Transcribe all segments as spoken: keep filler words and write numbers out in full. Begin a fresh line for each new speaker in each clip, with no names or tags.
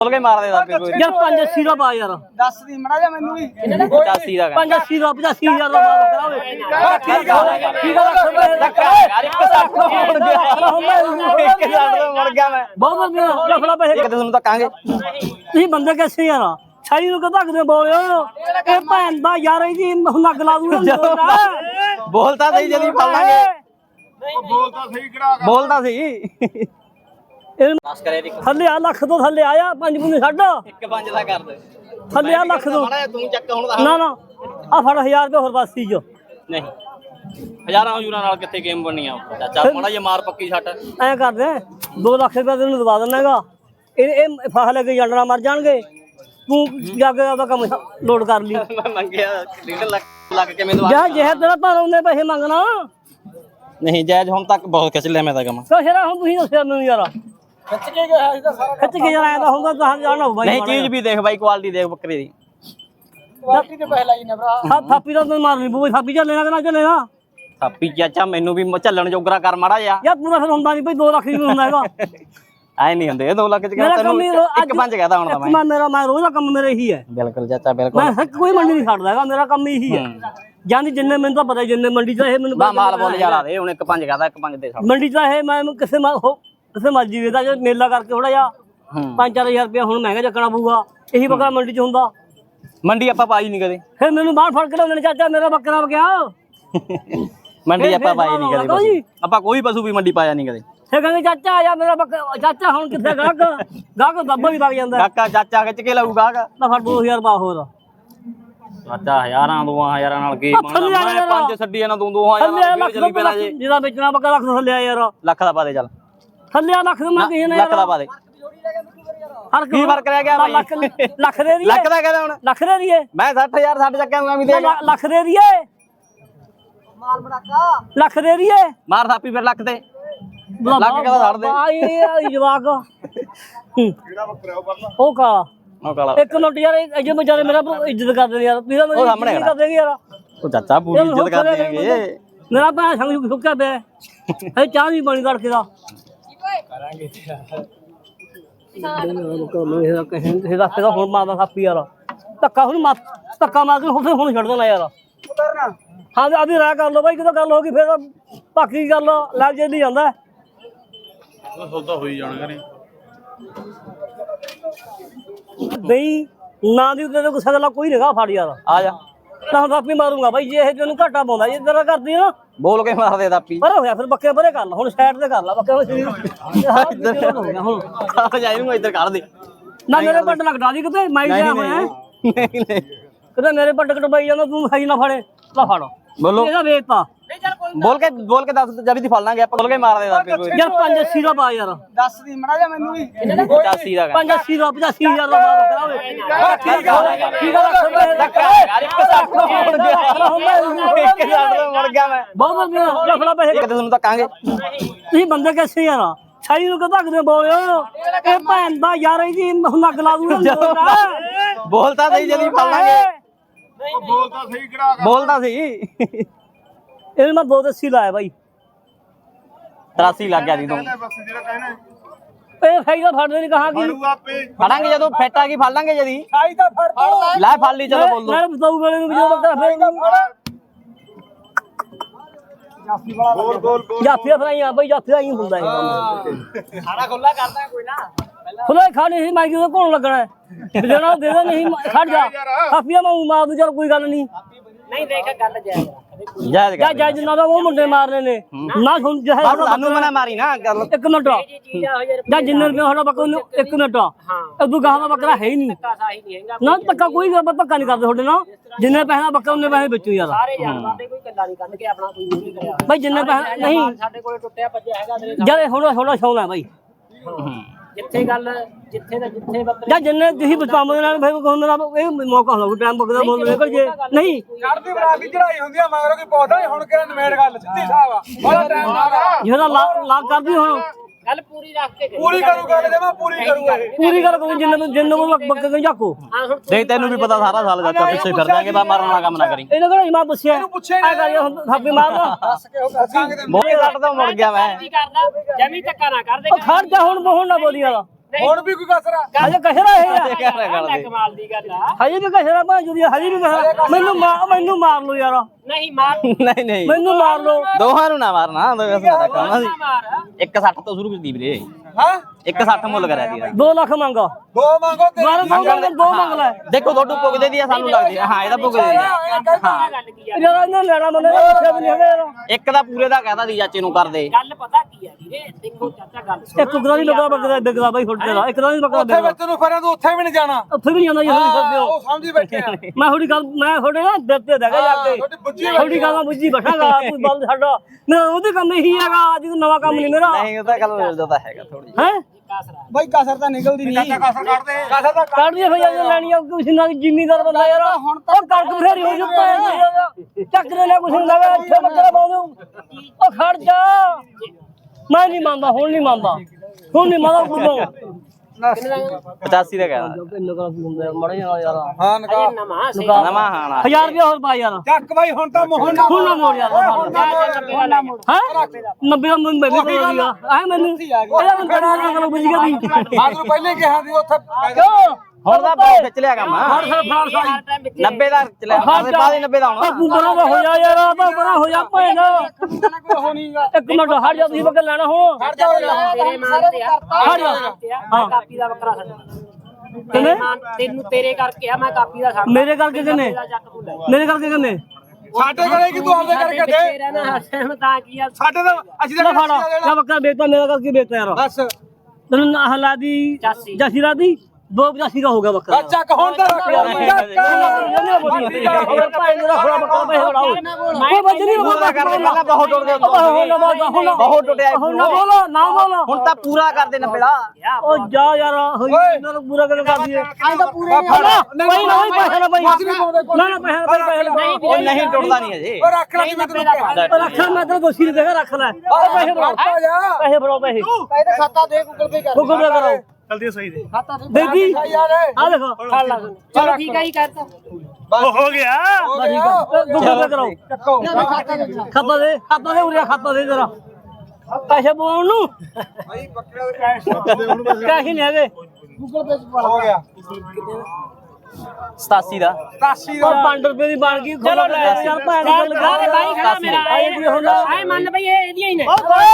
बोल के मार देता पे कोई
यार पाँच अस्सी का पा यार
दस दी मड़ा जा मैनू भी
पचासी का
पाँच अस्सी का पचासी हजार का पा करावे
ठीक है
ठीक है रख
यार एक साथ मुड़ गया एक साथ मुड़ गया मैं
बहुत बढ़िया लफड़ा पैसे
किते सुन तो कांगे
ਤੁਸੀਂ ਬੰਦੇ ਕਿੱਥੇ ਯਾਰ ਛਾਈ ਨੂੰ ਕਿਦਾਂ ਕਿਤੇ ਬੋਲਿਓ ਇਹ ਭੈਣ ਦਾ ਯਾਰ ਇਹਦੀ ਨੱਗ ਲਾ ਦੂਗਾ
बोलता सही जल्दी फड़ लांगे
बोलता सही करा
बोलता सही बस करे दी
ਥੱਲੇ ਆ ਲੱਖ ਤੋਂ ਥੱਲੇ ਆਇਆ ਪੰਜ ਪੁੰਨੇ ਛੱਡ
एक पांच दा कर दे
ਥੱਲੇ ਆ ਲੱਖ ਤੋਂ
माड़ा तू चक हुन
ਨਾ ਨਾ ਆ ਫੜ ਹਜ਼ਾਰ ਰੁਪਏ ਹੋਰ ਬਾਸੀ ਜੋ
नहीं हजारां हजूरां नाल किथे गेम बननी आ चाचा माड़ा जे मार पक्की छट
ਐ ਕਰਦੇ ਦੋ ਲੱਖ ਰੁਪਏ ਤੈਨੂੰ ਦਵਾ ਦਿੰਨਾਗਾ ਇਹ ਇਹ ਫਾਹ ਲੈ ਕੇ ਜਾਨਣਾ ਮਰ ਜਾਣਗੇ ਤੂੰ ਜਾ ਕੇ ਆਪਦਾ ਕੰਮ ਲੋਡ ਕਰ ਲਈ
मैं मंगया डेढ़ लाख लग के मैं दवा
ਜਾ ਜਿਹੇ ਤੇਰਾ ਪਰ ਉਹਨੇ ਪੈਸੇ ਮੰਗਣਾ
नहीं जायज हुन तक बहुत खिच लिया मैं ता कम
ਕਸ਼ਰਾ ਹੁਣ ਤੁਸੀਂ ਦੱਸਿਆ ਮੈਨੂੰ ਯਾਰ
खिच के गया है सारा
ਖਿੱਚ ਕੇ ਯਾਰ ਆਇਆ ਹੁੰਦਾ ਤਾਂ ਜਾਣਾ ਹੋਊ ਬਾਈ
नहीं चीज भी देख भाई क्वालिटी देख बकरी दी
क्वालिटी ते पहला ही ने भरा
ਥਾ ਥਾਪੀ ਦਾ ਤੈਨੂੰ ਮਾਰਨੀ ਪਊ ਥਾਪੀ ਚੱਲੇ ਨਾ ਕਿ ਨਾ ਚੱਲੇ ਨਾ
ਥਾਪੀ ਚਾਚਾ ਮੈਨੂੰ ਵੀ ਚੱਲਣ ਜੋਗਰਾ ਕਰ ਮਾੜਾ ਜਾ
ਯਾਰ ਪੂਰਾ ਫਿਰ ਹੁੰਦਾ ਨਹੀਂ ਭਾਈ ਦੋ ਲੱਖ ਹੀ ਹੁੰਦਾ ਹੈਗਾ
ਐ ਨਹੀਂ ਹੁੰਦੇ ਦੋ ਲੱਖ ਚ
ਮੇਰਾ
ਕਹਿੰਦਾ
ਕੰਮ ਹੀ
ਤੈਨੂੰ
ਰੋ-
ਇੱਕ ਪੰਜ ਕਹਦਾ ਹੁਣ ਤਾਂ
ਇੱਕ
ਮੈਂ
ਮੈਂ ਮੇਰਾ ਮੈਂ ਰੋਜ਼ ਦਾ ਕੰਮ ਮੇਰਾ ਇਹੀ ਹੈ
ਬਿਲਕੁਲ ਚਾਚਾ ਬਿਲਕੁਲ
ਮੈਂ ਹੱਕ ਕੋਈ ਮੰਡੀ ਨਹੀਂ ਛੱਡਦਾ ਹੈਗਾ ਮੇਰਾ ਕੰਮ ਇਹੀ ਹੈ ਜਾਂਦੀ ਜਿੰਨੇ ਮੈਨੂੰ ਤਾਂ ਪਤਾ ਜਿੰਨੇ ਮੰਡੀ ਚ ਇਹ ਮੈਨੂੰ
ਬਾ ਮਾਲ ਬੋਲ ਜਾ ਲਾ ਦੇ ਹੁਣ ਇੱਕ ਪੰਜ ਕਹਦਾ ਇੱਕ ਪੰਜ ਦੇ ਸਾਹ
ਮੰਡੀ ਚ ਇਹ ਮੈਂ ਕਿਸੇ ਮਾ- ਹੋ- ਕਿਸੇ ਮਰਜੀ ਵੇਦਾ ਜੇ ਮੇਲਾ ਕਰਕੇ ਥੋੜਾ ਜਿਹਾ ਪੰਜ ਚਾਰ ਹਜ਼ਾਰ ਰੁਪਇਆ ਹੁਣ ਮਹਿੰਗਾ ਚੱਕਣਾ ਪਊਗਾ ਇਹੀ ਬੱਕਰਾ ਮੰਡੀ ਚ ਹੁੰਦਾ
ਮੰਡੀ ਆਪਾਂ ਪਾਈ ਨਹੀਂ ਕਦੇ
ਫਿਰ ਮੈਨੂੰ ਬਾਹਰ ਫੜ ਕੇ ਲਿਆਉਂਦੇ ਨੇ ਚਾਚਾ ਮੇਰਾ ਬੱਕਰਾ ਵਗਿਆ
ਮੰਡੀ ਆਪਾਂ
ਫਿਰ
ਪਾਈ ਨਹੀਂ ਕਦੇ
ਬਾਬਾ ਜੀ।
ਪਸ਼ੂ। ਆਪਾਂ ਕੋਈ ਪਸ਼ੂ ਵੀ ਮੰਡੀ ਪਾਇਆ ਨਹੀਂ ਕਦੇ
ਫਿਰ ਕਹਿੰਦੇ ਚਾਚਾ ਆ ਜਾ ਮੇਰਾ ਬੱਕਰਾ ਚਾਚਾ ਹੁਣ ਕਿੱਥੇ ਗਾਹਕ ਗਾਹਕ ਦੱਬਾ ਵੀ ਵਗ ਜਾਂਦਾ
ਕਾਕਾ ਚਾਚਾ ਖਿੱਚ ਕੇ ਲਾਊਗਾ
ਤਾਂ ਫੜ ਦੋ ਹਜ਼ਾਰ ਪਾ ਹੋਰ
ਚਾਚਾ ਹਜ਼ਾਰਾਂ ਦੋਆਂ ਹਜ਼ਾਰਾਂ ਨਾਲ ਕੀ
ਉਹ ਥੱਲੇ ਆ
ਮੈਂ
ਯਾਰ।
ਪੰਜ ਛੱਡੀ ਇਹਨਾਂ ਦੋ ਦੋ ਹਜ਼ਾਰਾਂ
ਥੱਲੇ ਆ
ਨਾਲ
ਲੱਖ
ਫਿਰ ਚਲੀ ਪੈਣਾ ਜੇ
ਜਿਹਦਾ ਵੇਚਣਾ ਬੱਕਰਾ ਲੱਖ ਤੋਂ ਥੱਲੇ ਆ ਯਾਰ
ਲੱਖ ਦਾ ਪਾ ਦੇ ਚੱਲ
ਥੱਲੇ ਆ ਲੱਖ ਤੋਂ ਮੈਂ ਕਿਸੇ ਨੇ
ਲੱਖ ਦਾ ਪਾ ਦੇ
ਹਰ
ਕੀ ਫਰਕ ਰਹਿ ਗਿਆ ਭਾਈ?
ਲੱਖ ਲੱਖ ਦੇ ਦੀਏ
ਲੱਖ ਦਾ ਕਹਿੰਦਾ ਹੁਣ
ਲੱਖ ਦੇ ਦੀਏ
ਮੈਂ ਸੱਠ ਹਜ਼ਾਰ ਛੱਡ ਚੱਕਿਆ ਮੈਂ ਵੀ ਦੇ
ਲ- ਲੱਖ ਦੇ ਦੀਏ
माल बड़ाका
ਲੱਖ ਦੇ ਦੀਏ
ਮਾਰ ਥਾਪੀ ਫਿਰ ਲੱਖ ਤੇ ਲੱਖ ਕਿਹਦਾ ਛੱਡ ਦੇ
ਆਈ ਇਹ ਜਵਾਕ
केड़ा बकरा ओ परला
ਉਹ ਕਾਲਾ
ਉਹ ਕਾਲਾ
ਇੱਕ ਮਿੰਟ ਯਾਰ ਇਹ ਜੇ ਵਿਚਾਰੇ ਮੇਰਾ ਭਰਾ ਇੱਜ਼ਤ ਕਰਦੇ ਨੇ ਯਾਰ ਵੀਰਾ ਮੇਰੀ
ਉਹ ਸਾਹਮਣੇ
ਇੱਜ਼ਤ
ਖੜਾ।
ਕਰਦੇ ਨੇ ਯਾਰ
ਉਹ ਚਾਚਾ ਪੂਰੀ ਇੱਜ਼ਤ ਕਰਦੇ ਹੈਗੇ
ਮੇਰਾ ਭਰਾ ਸੰਗ ਸੁੱਕਿਆ ਪਿਆ ਹੈ ਚਾਹ ਨਹੀਂ ਪਾਣੀ ਕਰਕੇ ਦਾ ਕਰਾਂਗੇ ਦਾ ਹੁਣ ਮਾਰਦਾ ਸਾਪੀ ਯਾਰ ਧੱਕਾ ਹੁਣ ਮਾਰ ਧੱਕਾ ਮਾਰ ਕੇ ਹੁਣ ਹੁਣ ਛੱਡ ਦੇਣਾ ਯਾਰ
उतरना
ਹਾਂ ਤੇ ਆਦੀ ਰਾਹ ਕਰ ਲਓ ਬਾਈ ਕਿਦੋਂ ਗੱਲ ਹੋ ਗਈ ਫਿਰ ਬਾਕੀ ਗੱਲ ਲੱਗ ਜਾਂਦੀ ਜਾਂਦਾ
सौदा होई जाना करे
ਨਹੀਂ ਨਾ ਦੀ ਉੱਤੇ ਗੁੱਸਾ ਗੱਲਾਂ ਕੋਈ ਨਹੀਂਗਾ ਫੜ ਯਾਰ
ਆ ਜਾ
ਤਾਂ ਹੁਣ ਆਪੀ ਮਾਰੂੰਗਾ ਬਾਈ ਜੇ ਇਹ ਤੈਨੂੰ ਘਾਟਾ ਪਾਉਂਦਾ ਜੇ ਤੇਰਾ ਕਰਦੀ ਨਾ
ਬੋਲ ਕੇ ਮਾਰ ਦੇ ਥਾਪੀ
ਪਰ ਹੋਇਆ ਫਿਰ ਬੱਕੇ ਪਰੇ ਕਰ ਲਾ ਹੁਣ ਸਾਈਡ ਤੇ ਕਰ ਲਾ ਬੱਕੇ ਹੁਣ ਸਰੀਰ ਹੋ ਗਿਆ ਹੁਣ
ਆ ਜਾ ਇਹਨੂੰ ਇੱਧਰ ਕੱਢ ਦੇ
ਨਾ ਮੇਰੇ ਪੱਟ ਲੱਗਦਾ ਦੀ ਕਿਤੇ ਮੈਂ ਗਿਆ ਹੋਇਆ
ਨਹੀਂ ਨਹੀਂ
ਕਿਤੇ ਮੇਰੇ ਪੱਟ ਕਟਵਾਈ ਜਾਂਦਾ ਤੂੰ ਸਹੀ ਨਾ ਫੜੇ ਲਾ ਫੜ
ਬੋਲੋ
ਇਹਦਾ ਵੇਚਤਾ
ਬੋਲ ਕੇ ਬੋਲ ਕੇ ਦੱਸ ਜਬੀ ਦੀ ਫੜ ਲਾਂਗੇ ਆਪਾਂ ਬੋਲ ਕੇ ਮਾਰ ਦੇ ਥਾਪੀ ਕੋਈ
ਯਾਰ ਪੰਜ ਅੱਸੀ ਦਾ ਪਾ ਯਾਰ
दस दी मड़ा जा मैनू भी
ਪਚਾਸੀ ਦਾ
ਪੰਜ ਅੱਸੀ ਦਾ ਪਚਾਸੀ ਹਜ਼ਾਰ ਦਾ ਪਾ ਕਰਾਵੇ
ठीक है
ਠੀਕ ਆ ਰੱਖ
ਯਾਰ ਇੱਕ ਸਾਥ ਮੁੜ ਗਿਆ ਇੱਕ ਸਾਥ ਮੁੜ ਗਿਆ ਮੈਂ
ਬਹੁਤ ਵਧੀਆ ਲਫੜਾ ਪੈਸੇ
ਕਿਤੇ ਤੁਹਾਨੂੰ ਤਾਂ ਕਾਂਗੇ
ਤੁਸੀਂ ਬੰਦੇ ਕਿੱਥੇ ਯਾਰ ਛਾਈ ਨੂੰ ਕਿਦਾਂ ਕਿਤੇ ਬੋਲਿਓ ਇਹ ਭੈਣ ਦਾ ਯਾਰ ਇਹਦੀ ਨੱਗ ਲਾ ਦੂਗਾ
ਬੋਲਤਾ ਸਹੀ ਜਲਦੀ ਫੜ ਲਾਂਗੇ
बोलता सही करा
ਬੋਲਦਾ ਸੀ
ਇਹਨੂੰ ਮੈਂ ਦੋ ਦੱਸੀ ਲਾਇਆ ਬਾਈ
ਤਰਾਸੀ ਲੱਗ ਗਿਆ ਸੀ ਤੂੰ
बस जेड़ा कहना
ਇਹ ਫਾਇਦਾ ਫੜਦੇ ਨਹੀਂ ਕਹਾ ਕਿ
तू आपे
ਫੜਾਂਗੇ ਜਦੋਂ ਫੈਟ ਆ ਗਈ ਫੜ ਲਾਂਗੇ ਜਦੀ
खाई दा फड़ दो
ਲੈ ਫੜ ਲਈ ਚਲੋ ਬੋਲ ਦੋ
ਮੈਂ ਬਤਾਊ ਵੇਲੇ ਨੂੰ ਜਦੋਂ ਬੱਕਰਾ ਫੇਰ
जाफी वाला गोल गोल गोल
ਜਾਫੀਆ ਫਰਾਈਆਂ ਬਾਈ ਜਾਫੀਆ ਹੀ ਹੁੰਦਾ ਇਹ ਕੰਮ
खाना खुला करदा कोई ना
ਖੁੱਲੇ ਖਾਣੇ ਸੀ ਮੈਂ ਕਿਉਂ ਕੋਣ ਲੱਗਣਾ ਹੈ ਦੇਣਾ ਦੇ ਦੇ ਨਹੀਂ ਖੜ ਜਾ ਕਾਫੀਆ ਮੈਂ ਮਾਰ ਦੂੰ ਚਲ ਕੋਈ ਗੱਲ ਨਹੀਂ
नहीं देखा गल जाएगा
ਜਾਇਜ਼
ਜਾ
ਕਰ
ਜਾ ਜਿੰਨਾ ਦਾ ਉਹ ਮੁੰਡੇ ਮਾਰਨੇ ਨੇ ਨਾ ਸੁਣ ਜਹ
ਬਸ ਸਾਨੂੰ ਮਨਾ ਮਾਰੀ ਨਾ ਗੱਲ
ਇੱਕ ਮਿੰਟ ਜਾਂ ਜਿੰਨੇ ਰੁਪਏ ਸਾਡਾ ਬੱਕਰਾ ਨੂੰ ਇੱਕ ਮਿੰਟ ਉਦੋਂ ਗਾਹ ਦਾ ਬੱਕਰਾ ਹੈ ਹੀ ਨਹੀਂ ਨਾ ਧੱਕਾ ਕੋਈ ਗੱਲ ਧੱਕਾ ਨਹੀਂ ਕਰਦੇ ਤੁਹਾਡੇ ਨਾਲ ਜਿੰਨੇ ਪੈਸੇ ਦਾ ਬੱਕਰਾ ਉਹਨੇ ਪੈਸੇ ਵੇਚੋ ਯਾਰ
ਸਾਰੇ ਜਾਨਵਰਾਂ ਦੇ ਕੋਈ ਕੱਲਾ ਨਹੀਂ ਕੱਢ ਕੇ ਆਪਣਾ ਕੋਈ ਨਹੀਂ ਕਰਿਆ
ਬਾਈ ਜਿੰਨੇ ਪੈਸੇ ਨਹੀਂ
ਸਾਡੇ ਕੋਲੇ ਟੁੱਟਿਆ ਭੱਜਿਆ ਹੈਗਾ ਤੇਰੇ
ਜਦ ਥੋੜਾ ਥੋੜਾ ਸ਼ੌਕ ਹੈ ਬਾਈ
ਜਿੱਥੇ ਗੱਲ ਜਿੱਥੇ ਦਾ ਜਿੱਥੇ ਬੱਕਰੇ
ਜਾਂ ਜਿੰਨੇ ਤੁਸੀਂ ਬਚਾਉਂਦੇ ਨਾਲ ਭਾਈ ਕੋਈ ਹੁੰਦਾ ਇਹ ਮੌਕਾ ਹੁੰਦਾ ਟਾਈਮ ਬਕਦਾ ਮੁੱਲ ਨਿਕਲ ਜੇ ਨਹੀਂ
ਚੜਦੀ ਬਣਾ ਕੇ ਚੜਾਈ ਹੁੰਦੀ ਆ ਮਗਰੋਂ ਕੋਈ ਪੌਦਾ ਨਹੀਂ ਹੁਣ ਕਿਹੜਾ ਨਵੇੜ ਗੱਲ ਸਿੱਧੀ ਸਾਹਿਬ ਆ ਬੜਾ ਟਾਈਮ ਲਾਗਾ
ਜਿਹੜਾ ਲਾਗ ਕਰਦੀ ਹੁਣ
ਗੱਲ ਪੂਰੀ ਰੱਖ ਕੇ ਕਰੀ।
ਪੂਰੀ ਕਰੂ ਗੱਲ ਜੇ ਮੈਂ ਪੂਰੀ ਕਰੂੰਗਾ ਇਹ
ਪੂਰੀ ਗੱਲ ਕੋਈ ਜਿੰਨੇ ਨੂੰ ਜਿੰਨੇ ਨੂੰ ਬੱਕੇ ਨੂੰ ਜਾਕੋ
ਹਾਂ ਹੁਣ
ਦੇਖ ਤੈਨੂੰ ਵੀ ਪਤਾ ਸਾਰਾ ਸਾਲ ਚਾਚਾ ਪਿੱਛੇ ਫਿਰ ਦਾਂਗੇ ਬਾ ਮਾਰਨ ਵਾਲਾ ਕੰਮ ਨਾ ਕਰੀ
ਇਹਨਾਂ ਕੋਲ ਮੈਂ ਪੁੱਛਿਆ
ਪੁੱਛਿਆ
ਆ ਕਰ ਹੁਣ ਥਾਪੀ ਮਾਰਦਾ
ਦੱਸ ਕੇ ਉਹ ਦੱਸਾਂਗੇ ਤੇ
ਬੋਲੇ ਕੱਟ ਤੋਂ ਮੁੜ ਗਿਆ ਮੈਂ
ਕੀ ਕਰਦਾ ਜਮੀ ਧੱਕਾ ਨਾ ਕਰਦੇ
ਉਹ ਖੜ ਜਾ ਹੁਣ ਹੁਣ ਨਾ ਬੋਲੀ ਵਾਲਾ
ਹੁਣ ਵੀ ਕੋਈ ਕਸਰਾ
ਹਜੇ ਕਹਰਾ ਇਹ ਆ
ਲੈ ਕਮਾਲ ਦੀ ਗੱਲ ਆ
ਹਜੇ ਵੀ ਕਹਰਾ ਭਾਂ ਜੁਦੀ ਹਜੇ ਵੀ ਕਹਰਾ ਮੈਨੂੰ ਮਾਰ ਮੈਨੂੰ ਮਾਰ ਲਓ ਯਾਰ
ਨਹੀਂ ਮਾਰ
ਨਹੀਂ ਨਹੀਂ
ਮੈਨੂੰ ਮਾਰ ਲਓ
ਦੋਹਾਂ ਨੂੰ ਨਾ ਮਾਰਨਾ ਦੋ ਦਾ ਕੰਮ ਸੀ
ਮਾਰ
ਇੱਕ ਸੱਠ ਤੋਂ ਸ਼ੁਰੂ ਕੀਤੀ ਵੀਰੇ
ਹਾਂ
ਇੱਕ ਸੱਠ ਮੁੱਲ ਕਰਿਆ ਦੀ
ਦੋ ਲੱਖ ਮੰਗਾ
ਦੋ ਮੰਗੋ ਤੇ
ਦੁਬਾਰਾ ਦੋ ਮੰਗ ਦੋ ਮੰਗ ਲੈ
ਦੇਖੋ ਤੁਹਾਡੂ ਪੁੱਗਦੇ ਦੀ ਆ ਸਾਨੂੰ ਲੱਗਦੀ ਆ ਹਾਂ ਇਹਦਾ ਪੁੱਗਦੇ ਦੀ ਆ ਹਾਂ
ਗੱਲ ਕੀ ਆ
ਯਾਰ ਇਹਨਾਂ ਲੈਣਾ ਮੰਨੇ ਉੱਥੇ ਵੀ ਨਹੀਂ ਹੈਗਾ ਯਾਰ
ਇੱਕ ਦਾ ਪੂਰੇ ਦਾ ਕਹਦਾ ਦੀ ਚਾਚੇ ਨੂੰ ਕਰ ਦੇ
ਗੱਲ ਪਤਾ ਕੀ ਆ ਵੀਰੇ ਦੇਖੋ ਚਾਚਾ ਗੱਲ ਸੁਣ
ਇੱਕ ਗਰਾ ਨਹੀਂ ਲੱਗਾ ਬੱਕਰਾ ਬਿਗਦਾ ਬਾਈ ਫੁੱਟ ਦਾ ਇੱਕ ਗਰਾ ਨਹੀਂ ਬੱਕਰਾ
ਉੱਥੇ
ਬਿਗਦਾ
ਵਿੱਚ ਨੂੰ ਫਰਾਂ ਤੂੰ ਉੱਥੇ ਵੀ ਨਹੀਂ ਜਾਣਾ
ਉੱਥੇ ਵੀ ਨਹੀਂ ਆਉਂਦਾ ਯਾਰ ਸਕਦੇ
ਉਹ
ਹੋ
ਸਮਝੀ ਬੈਠੇ ਆ
ਮੈਂ ਥੋੜੀ ਗੱਲ ਮੈਂ ਥੋੜੇ ਨਾ ਦਿਲ ਤੇ ਦੇਗਾ ਜਾ ਕੇ
ਤੁਹਾਡੀ ਬੁੱਝੀ
ਥੋੜੀ ਗੱਲ ਬੁੱਝੀ ਬੈਠਾਗਾ ਕੋਈ ਬੰਦ ਛੱਡੋ ਨਾ ਉਹਦੇ ਕੰਮ ਇਹੀ ਹੈਗਾ ਅੱਜ ਨਵਾਂ ਕੰਮ ਨਹੀਂ ਮੇਰਾ
ਨਹੀਂ ਉਹ ਤਾਂ ਗੱਲ ਮਿਲਦਾ ਤਾਂ ਹੈਗਾ ਥੋੜੀ
ਹੈ
ਬਾਈ ਕਸਰ ਤਾਂ ਨਿਕਲਦੀ ਨਹੀਂ ਕਸਰ ਕੱਢ ਦੇ ਕਸਰ ਤਾਂ
ਕੱਢ ਦੇ ਭਈਆ ਜੇ ਲੈਣੀ ਆ ਕੁਛ ਨਾ ਜ਼ਿਮੀਦਾਰ ਬੰਦਾ ਯਾਰ ਹੁਣ ਤਾਂ ਕਣਕ ਫੇਰੀ ਹੋ ਜੁੱਤਾ ਚੱਕ ਲੈ ਕੁਛ ਨਹੀਂ ਲਗਾ ਇੱਥੇ ਬੱਕਰਾ ਪਾਉਂ ਉਹ ਖੜ ਜਾ ਮੈਂ ਨਹੀਂ ਮੰਨਦਾ ਹੁਣ ਨਹੀਂ ਮੰਨਦਾ ਹੁਣ ਨਹੀਂ ਮੰਨਦਾ ਕੁਦੋਂ
ਪਚਾਸੀ ਦਾ ਕਹਿੰਦਾ
ਇੰਨਾ ਕਰਾ ਕੀ ਹੁੰਦਾ ਯਾਰ ਮੜਾ ਯਾਰ
ਹਾਂ ਨਕਾ
ਨਵਾਂ ਸੇ
ਨਵਾਂ ਹਾਣਾ
ਹਜ਼ਾਰ ਰੁਪਏ ਹੋਰ ਪਾ ਯਾਰ
ਚੱਕ ਬਾਈ ਹੁਣ ਤਾਂ ਮੋਹਨ
ਹੁਣ ਨਾ ਮੋੜ ਯਾਰ ਹੈ ਨੱਬੇ ਦਾ ਮੈਂ ਵੀ ਤੋੜੀਗਾ ਆ ਮੈਨੂੰ ਇਹਦਾ ਮੈਂ ਬੜਾ ਨਾ ਕਰੋ ਬੁੱਝ ਗਿਆ ਵੀ
ਆਜ ਨੂੰ ਪਹਿਲੇ ਕਿਹਾ ਸੀ ਉੱਥੇ
ਕਿਉਂ
ਹੁਣ ਦਾ ਬਹੁਤ ਖਿੱਚ ਲਿਆ ਕੰਮ
ਹਰ ਸਾਲ ਫਰਾਰ ਸਾਈ
ਨੱਬੇ ਦਾ ਖਿੱਚ ਲਿਆ ਆਸੇ ਪਾਸੇ ਨੱਬੇ ਦਾ ਹੋਣਾ
ਤੂੰ ਬੜਾ ਦਾ ਹੋ ਜਾ ਯਾਰ ਆ ਤਾਂ ਬੜਾ ਹੋ ਜਾ ਭੈਣਾ ਇੱਕ ਮਿੰਟ ਹਟ ਜਾ ਤੁਸੀਂ ਬੱਕਰਾ ਲੈਣਾ ਹੋ
ਤੇਰੇ ਮਾਨ ਤੇ ਆ
ਹਟ ਜਾ
ਮੈਂ ਕਾਪੀ ਦਾ ਬੱਕਰਾ ਛੱਡਣਾ ਤੇਰੇ ਮਾਨ ਤੈਨੂੰ ਤੇਰੇ ਕਰਕੇ ਆ ਮੈਂ ਕਾਪੀ ਦਾ ਛੱਡ
ਮੇਰੇ ਕਰਕੇ ਕਿੰਨੇ ਮੇਰੇ ਕਰਕੇ ਕਿੰਨੇ
ਸਾਡੇ ਘਰੇ ਕਿ ਤੂੰ ਆਪਦੇ ਕਰਕੇ ਦੇ
ਤੇਰਾ ਨਾ ਹਸਨ ਤਾਂ ਕੀ ਆ
ਸਾਡੇ ਤਾਂ ਅਸੀਂ
ਲੈ
ਤਾਂ
ਫੜਾ ਜਾ ਬੱਕਰਾ ਵੇਚਦਾ ਮੇਰਾ ਕਰਕੇ ਵੇਚਦਾ ਯਾਰ
ਬਸ
ਤੈਨੂੰ ਨਾ ਹਲਾ ਦੀ ਜਾਸੀ ਰਾਦੀ ਦੋ ਪਚਾਸੀ ਦਾ ਹੋ ਗਿਆ ਬੱਕਰਾ
ਚੱਕ ਹੁਣ ਤਾਂ ਰੱਖ ਯਾਰ
ਬਹੁਤ ਟੁੱਟ ਗਿਆ ਬਹੁਤ ਟੁੱਟਿਆ ਹੁਣ ਤਾਂ ਪੂਰਾ ਕਰ ਦੇ ਨੱਬੇ ਦਾ
ਉਹ ਜਾ ਯਾਰ ਇਹਨਾਂ ਨੂੰ ਪੂਰਾ ਕਰ ਦਈਏ ਨਹੀਂ ਨਹੀਂ ਪੈਸੇ ਨਾ ਭਾਈ ਨਾ ਨਾ ਪੈਸੇ ਪੈਸੇ
ਉਹ ਨਹੀਂ ਟੁੱਟਦਾ ਨਹੀਂ ਅਜੇ
ਉਹ ਰੱਖ ਲੈ ਮੈਂ ਤੈਨੂੰ ਕਿਹਾ
ਰੱਖ ਲੈ ਮੈਂ ਤੈਨੂੰ ਦੋਸ਼ੀ ਦੇਗਾ ਰੱਖ ਲੈ ਪੈਸੇ ਫੜਾਓ ਪੈਸੇ ਫੜਾਓ ਪੈਸੇ
ਇਹਦੇ ਖਾਤਾ ਦੇ ਗੂਗਲ ਪੇ ਕਰ
ਗੂਗਲ ਪੇ ਕਰੋ
ਜਲਦੀ ਸਹੀ ਦੇ
ਬੇਬੀ
ਯਾਰ
ਆ ਦੇਖੋ ਫੜ ਲਾ
ਚਲੋ ਠੀਕ ਆ ਹੀ ਕਰਤਾ
ਹੋ ਗਿਆ
ਬਸ ਠੀਕ ਆ ਗੂਗਲ ਪੇ ਕਰੋ ਖਾਤਾ ਦੇ ਖਾਤਾ ਦੇ ਉਰਿਆ ਖਾਤਾ ਦੇ ਜਰਾ ਪੈਸੇ ਪਾਉਣ ਨੂੰ
ਭਾਈ ਬੱਕਰੇ ਦੇ ਕੈਸ਼ ਦੇ ਉਹਨੂੰ
ਕੈਸ਼ ਨਹੀਂ ਹੈਗੇ
ਹੋ ਗਿਆ
ਸਤਾਸੀ ਦਾ
ਸਤਾਸੀ
ਉਹ
ਦਾ
ਪੰਜ ਰੁਪਏ ਦੀ ਬਣ ਗਈ ਚਲੋ ਲੈ ਯਾਰ ਭੈਣ ਦੀ ਗੱਲ
ਸਾਰੇ ਬਾਈ ਖੜਾ ਮੇਰਾ
ਆਏ ਵੀ ਹੁਣ
ਆਏ ਮੰਨ ਬਈ ਇਹ ਇਹਦੀਆਂ ਹੀ ਨੇ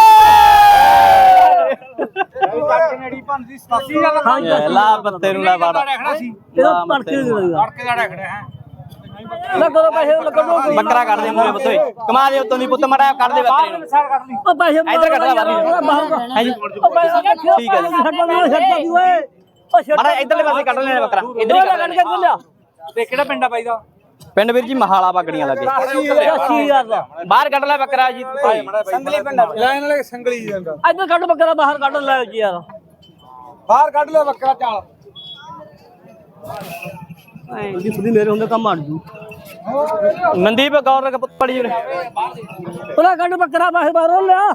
ਨੇੜੀ ਪੰਦੀ ਸਤਾਸੀ ਦਾ
ਹਾਂ
ਲਾ ਪੱਤੇ ਨੂੰ ਲਾ ਬਾੜਾ
ਰੱਖਣਾ ਸੀ
ਇਹਦਾ ਤੜਕੇ ਦੇ ਦੇਗਾ
ਤੜਕੇ ਦਾ ਰੱਖਣਾ ਹੈ
ਲੱਗੋ ਪੈਸੇ ਲੱਗੋ
ਬੱਕਰਾ ਕੱਢ ਦੇ ਮੂਰੇ ਪੁੱਤੋਏ ਕਮਾ ਦੇ ਉਤੋਂ ਦੀ ਪੁੱਤ ਮੜਾ ਕੱਢ ਦੇ ਬੱਕਰੇ ਨੂੰ
ਉਹ ਪੈਸੇ
ਇੱਧਰ ਕੱਢ ਲੈ ਬਾਹਰ ਹਾਂਜੀ
ਉਹ ਪੈਸੇ
ਠੀਕ ਹੈ ਜੀ।
ਛੱਡੋ ਨਾ ਛੱਡੋ ਦੀ ਓਏ ਉਹ ਛੱਡ
ਮੜਾ ਇਧਰਲੇ ਪਾਸੇ ਕੱਢ ਲੈਣਾ ਬੱਕਰਾ ਇਧਰ ਹੀ ਕੱਢ
ਕੱਢ
ਲੈਣਾ
ਕੇ ਲਿਆ
ਤੇ ਕਿਹੜਾ ਪਿੰਡ ਆ ਬਾਈ ਦਾ
ਪਿੰਡ ਵੀਰ ਜੀ ਮਹਾਲਾ ਬਾਗੜੀਆਂ ਲੱਗੇ
ਅੱਸੀ ਹਜ਼ਾਰ ਦਾ
ਬਾਹਰ ਕੱਢ ਲੈ ਬੱਕਰਾ ਜੀ
ਸੰਗਲੀ ਪਿੰਡ ਲੈਣ ਵਾਲੇ ਸੰਗਲੀ ਜਾਂਦਾ
ਇੱਧਰ ਕੱਢ ਬੱਕਰਾ ਬਾਹਰ ਕੱਢ ਲੈ ਜੀ ਯਾਰ
ਬਾਹਰ ਕੱਢ ਲੈ ਬੱਕਰਾ ਚਾਲ
ਐਂ ਦੀ ਫੁੱਦੀ ਮੇਰੇ ਹੁੰਦੇ ਕੰਮ ਅੜ ਜੂ
ਮਨਦੀਪ ਗੌਰ ਦਾ ਪੁੱਤ ਪੜੀ ਉਰੇ
ਉਹਦਾ ਕੱਢ ਬੱਕਰਾ ਬਾਹਰ ਬਾਹਰੋਂ ਲਿਆ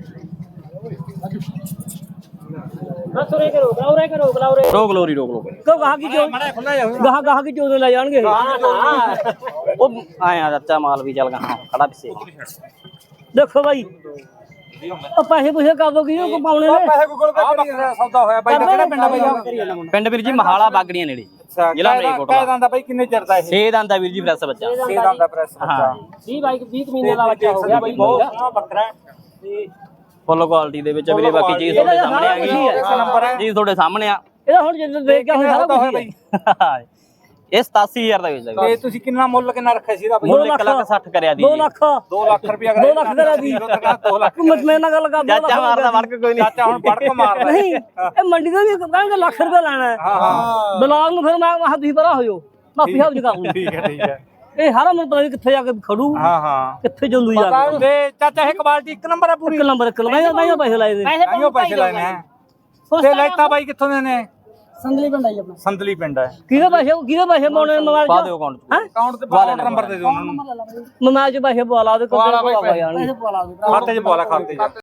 ਰਸੋਰੇ ਕਰੋ ਗਲਾਉਰੇ ਕਰੋ ਗਲਾਉਰੇ
ਰੋਕ ਲੋਰੀ ਰੋਕ ਲੋ
ਕੋ ਗਾਹ ਕੀ ਚੋ ਗਾਹ ਗਾਹ ਕੀ ਚੋਦੇ ਲੈ ਜਾਣਗੇ
ਉਹ ਆਇਆ ਚਾਚਾ ਮਾਲ ਵੀ ਚੱਲ ਗਾ ਖੜਾ ਪਿੱਛੇ
ਦੇਖੋ ਬਾਈ ਉਹ ਪੈਸੇ ਪੁੱਛੇ ਕਰ ਦੋ ਕੀ ਉਹ ਪਾਉਣੇ ਨੇ
ਪੈਸੇ ਗੂਗਲ ਪੇ ਕਰੀ ਸੌਦਾ ਹੋਇਆ ਬਾਈ ਦਾ ਕਿਹੜਾ ਪਿੰਡ ਆ ਬਾਈ ਦਾ
ਪਿੰਡ ਵੀਰ ਜੀ ਮਹਾਲਾ ਬਾਗੜੀਆਂ ਨੇੜੇ ਜ਼ਿਲ੍ਹਾ ਮਲੇਰਕੋਟ
ਕਹਿ ਦਿੰਦਾ ਬਾਈ ਕਿੰਨੇ ਚਿਰ ਦਾ ਇਹ
ਛੇ ਦੰਦ ਦਾ ਵੀਰ ਜੀ ਪ੍ਰੈਸ ਬੱਚਾ
ਛੇ ਦੰਦ ਦਾ ਪ੍ਰੈਸ
ਹਾਂ
ਵੀਹ ਬਾਈ ਵੀਹ ਮਹੀਨੇ ਦਾ ਬੱਚਾ ਹੋ ਗਿਆ
ਬਾਈ ਬਹੁਤ ਸੋਹਣਾ ਬੱਕਰਾ
ਫੁੱਲ ਕੁਆਲਿਟੀ ਦੇ ਵਿੱਚ ਵੀਰੇ ਬਾਕੀ ਚੀਜ਼ ਤੁਹਾਡੇ ਸਾਹਮਣੇ ਆ ਗਈ
ਇਸ ਨੰਬਰ ਹੈ
ਜੀ ਤੁਹਾਡੇ ਸਾਹਮਣੇ ਆ
ਇਹਦਾ ਹੁਣ ਜਦੋਂ ਦੇਖ ਕੇ ਹੁਣ ਸਾਰਾ ਕੁਝ ਹੀ ਹੈ
ਇਹ ਸਤਾਸੀ ਹਜ਼ਾਰ ਦਾ ਵੇਚ ਸਕਦਾ
ਤੇ ਤੁਸੀਂ ਕਿੰਨਾ ਮੁੱਲ ਕਿੰਨਾ ਰੱਖਿਆ ਸੀ ਇਹਦਾ ਬਾਈ
ਮੁੱਲ ਇੱਕ ਲੱਖ ਸੱਠ ਕਰਿਆ ਦੀ
ਦੋ ਲੱਖ
ਦੋ ਲੱਖ ਰੁਪਇਆ
ਦੋ ਲੱਖ ਕਰਾ ਦੀ
ਦੋ ਲੱਖ
ਤੂੰ ਮੇਰੇ ਨਾਲ ਗੱਲ ਕਰ ਦੋ
ਚਾਚਾ ਮਾਰਦਾ ਵੜਕ ਕੋਈ ਨਹੀਂ
ਚਾਚਾ ਹੁਣ ਵੜਕ ਮਾਰਦਾ
ਨਹੀਂ ਇਹ ਮੰਡੀ ਦਾ ਵੀ ਕਹਿੰਦੇ ਲੱਖ ਰੁਪਏ ਲੈਣਾ ਹੈ
ਹਾਂ ਹਾਂ
ਬਲਾਲ ਨੂੰ ਫਿਰ ਮੈਂ ਆਹ ਤੁਸੀਂ ਪਰਾ ਹੋ ਜਾਓ ਮਾਫੀ ਹਾਬ ਕਰ ਲੂੰ
ਠੀਕ ਹੈ ਠੀਕ ਹੈ
ਇਹ ਹਾਰਾ ਮੈਨੂੰ ਪਤਾ ਨਹੀਂ ਕਿੱਥੇ ਜਾ ਕੇ ਖੜੂ
ਹਾਂ ਹਾਂ
ਕਿੱਥੇ ਜੰਦੂ ਜਾ ਕੇ
ਤੇ ਚਾਚਾ ਇਹ ਕੁਆਲਿਟੀ ਇੱਕ ਨੰਬਰ ਹੈ ਪੂਰੀ
ਇੱਕ ਨੰਬਰ ਇੱਕ ਨੰਬਰ ਮੈਂ ਪੈਸੇ ਲਾਏ ਨੇ
ਪੈਸੇ
ਆਈਓ ਪੈਸੇ ਲੈਣੇ ਆ ਤੇ ਲੈਤਾ ਬਾਈ ਕਿੱਥੋਂ ਦੇ ਨੇ ਸੰਦਲੀ ਪਿੰਡ ਆਈ ਆਪਣਾ ਸੰਦਲੀ ਪਿੰਡ ਹੈ
ਕਿਹਦੇ ਪੈਸੇ ਕਿਹਦੇ ਪੈਸੇ ਪਾਉਣੇ ਮੋਬਾਈਲ
ਪਾ
ਚ
ਦਿਓ ਅਕਾਊਂਟ
ਹੈ
ਅਕਾਊਂਟ ਤੇ ਪਾ ਨੰਬਰ ਦੇ ਦਿਓ ਉਹਨਾਂ ਨੂੰ
ਮੋਬਾਈਲ ਚ ਪੈਸੇ ਪਵਾ ਲਾ ਉਹਦੇ ਕੋਲ
ਪਵਾ ਲਾ ਬਾਈ
ਪਵਾ ਜਾਣਗੇ
ਖਾਤੇ 'ਚ ਪਵਾ ਲਾ ਖਾਤੇ 'ਚ